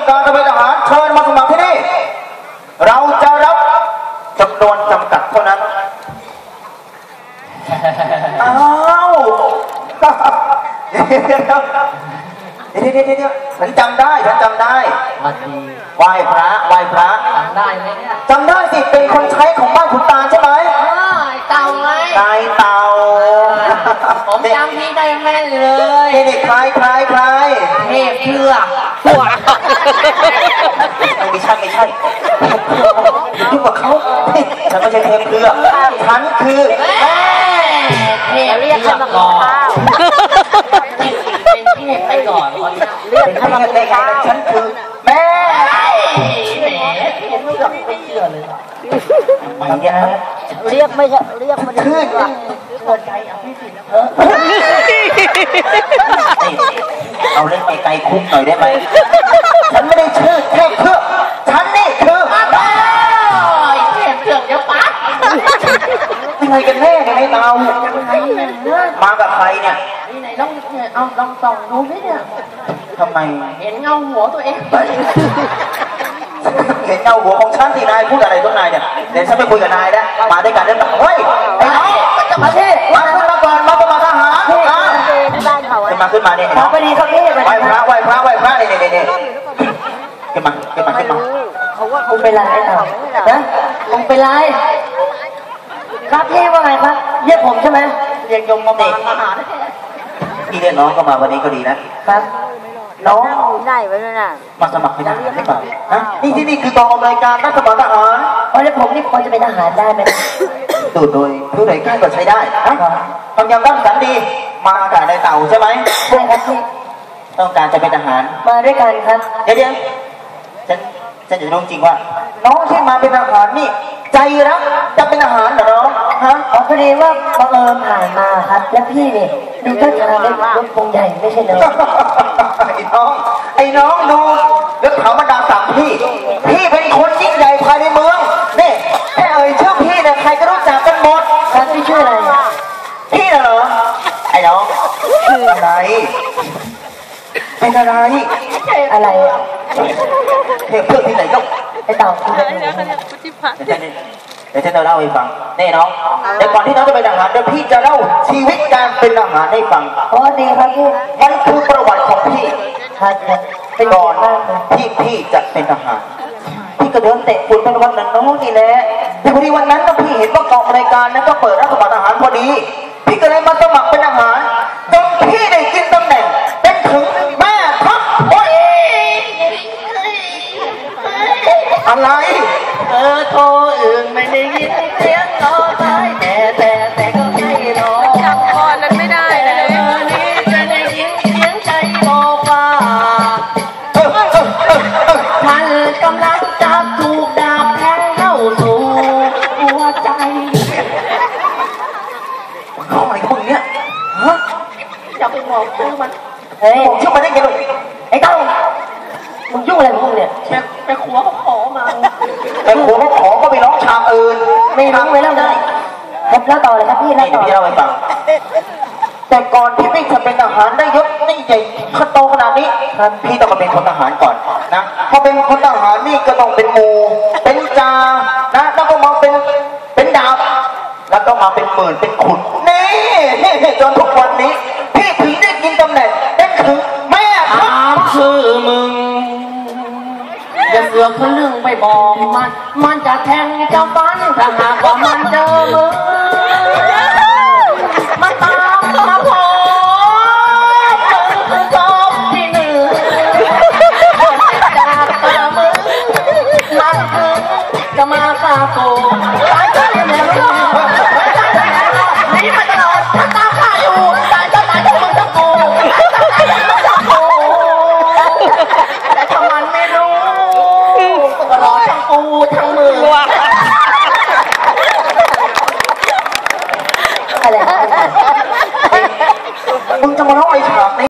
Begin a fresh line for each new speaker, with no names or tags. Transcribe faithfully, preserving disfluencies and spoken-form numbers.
ต้องการจะเป็นทหารเชิญมาสมัครที่นี่เราจะรับจำนวนจำกัดเท่านั้นอ้าวเดี๋ยวเดี๋ยวเดี๋ยวเดี๋ยวเดี๋ยวฉันจำได้ฉันจำได้
วันดี
ไหว้พระไหว้พระ
จำได้ไหมเนี่ย
จำได้สิเป็นคนใช้ของบ้านขุนตาลใช่ไหม
เต่าไง
นายเต่า
ผมจำพี่ได้แม่นเลย
เด็กๆใครใครใคร
เทพเชือก
ไม่ใช่ไม่ใช่ยุ่งกับเขาฉันไม่ใช่เทพเชือกฉันคือ
เทพเรียกขึ้นมาก่อนเป็นเทพไปก่อนเรียกขึ้นมาเลยค่ะ
ฉันคือแม่
แหมเห็นไม่ยอมไม่เชื่อเลย
ไม่เนี่ย
เรียกไม่เรียกมัน
ขึ้น
หัวใจอ่ะพี่สิเออ
เอาเล่นไกลๆคุกหน่อยได้ไหมฉันไม่ได้ชื่อเทพเชือกฉันนี่คือ
เทพเชือกเดี๋ยวปั๊บ
อะไรกันแน่เนี่ยไอ้เรามากับใครเนี่ย
ไหนลองเอาลองส่องดูสิเนี่ย
ทำไม
เห็นเงาหัวตัวเองไป
เห็นเงาหัวของฉันที่นายพูดอะไรต้นนายเนี่ยเดี๋ยวฉันไปคุยกับนายนะมาด้วยกันได้ไหมเฮ้ยไอ้น้องจะมาที่มาขึ้นมาก่อนมาประมาทหารขึ้นมาขึ้นมาขึ้นมาเนี่ย
พอดีเขาที่
ไหว้พระไหว้พระไหว้พระเนี่ยเนี่ยเนี่ยขึ้นมาขึ้นมาขึ้นมา
เขาว่าคงเป็นไรไอ้ต่อนะคงเป็นไรครับพี่ว่าไงครับเรียกผมใช่ไหมเรียกยมมาบอกมาหา
พี่เรียกน้องก็มาวันนี้ก็ดีนะครับน้อง
ได้ไว้ด้วยนะ
มาสมัครเป็นทหารได้ป่ะฮะนี่ที่นี่คือกองอำนวยการรับสมัครทหาร
เพราะแล้วผมนี่พอจะเป็นทหารได้ไหม
ดูโดยผู้ใดกล้าก็ใช้ได้นะทำยังรักสันดีมากับนายเต่าใช่ไหม
ใช่ครับพี่
ต้องการจะเป็นทหาร
มาด้วยกันครับ
เดี๋ยวเดี๋ยวฉันฉันจะรู้จริงว่าน้องที่มาเป็นทหารนี่ใจรักจะเป็นทหารเหรอน้องฮะ
อ๋อพอดีว่าบังเอิญผ่านมาครับแล้วพี่เนี่ยดูท่าทางเล็กรถพงใหญ่ไม่ใช่เหรอ
ไอ้น้องไอ้น้องดูเรื่องเขาบรรดาศักดิ์พี่พี่เป็นคนยิ่งใหญ่ภายในเมืองนี่แค่เอ่ยชื่อพี่เนี่ยใครก็รู้จักกันหมด
ครับพี่ชื่ออะไร
พี่น่ะเหรอไอ้น้องชื่ออะไรเป็นอะไร
อะไร
เทพเพื่อนที่ไหนลูก
ไอ้เต่าคุณ
เดี๋ยวฉันจะเล่าให้ฟังนี่น้องแต่ก่อนที่น้องจะเป็นทหารเดี๋ยวพี่จะเล่าชีวิตการเป็นทหารให้ฟัง
อ๋อดีครับพี่
มันคือประวัติของพี่
ครับ
เป็นก่อนที่พี่จะเป็นทหารพี่ก็เดินเตะฝุ่นเป็นวันนั้นน้องนี่แหละแต่พอดีวันนั้นนะพี่เห็นว่ากองรายการนั้นก็เปิดรับสมัครทหารพอดีพี่ก็เลยมาสมัครเป็นทหารจนพี่ได้กินตำแหน่งเป็นถึงแม่ทัพโอ้ยอะไร
เออโทรอื่นไม่ได้ยินเสียงรอสายแต่แต่แต่ก็ไม่รอ
จำคอนั้นไม่ได้เลย
นี้จะได้ยินเสียงใจบอกว่ามันกำลังจะถูกดาบแทงเข้าสู่หัวใจ
เขาอะไรพวกนี้ฮะ
อย่าไปบอกชื่อมัน
เฮ้ยบอกชื่อมันได้ไงลูก
ไอ้เต้ามึงยุ่งอะไรมึงเนี่ยไปไปขวเขาขอมา
ไปขวเขาขอก็ไปร้องชามอื่น
ไม่รู้ไม่เล่าได้ครับเล่าต่อเลยครับพี่เล่าต่อ
พี่เล่าให้ฟังแต่ก่อนที่พี่จะเป็นทหารได้ยศนี่ใหญ่ขั้นโตขนาดนี้พี่ต้องมาเป็นคนทหารก่อนนะพอเป็นคนทหารนี่ก็ต้องเป็นหมู่เป็นจ่านะแล้วก็มาเป็นเป็นดาบแล้วก็มาเป็นหมื่นเป็นขุนนี่จนทุกวันนี้พี่ถึงได้กินตำแหน่งได้ถึงแม่
ถามชื่อมึงอย่าเสือกทะลึ่งไปบอกมันมันจะแทงจะฟันถ้าหากว่ามันเจอมึง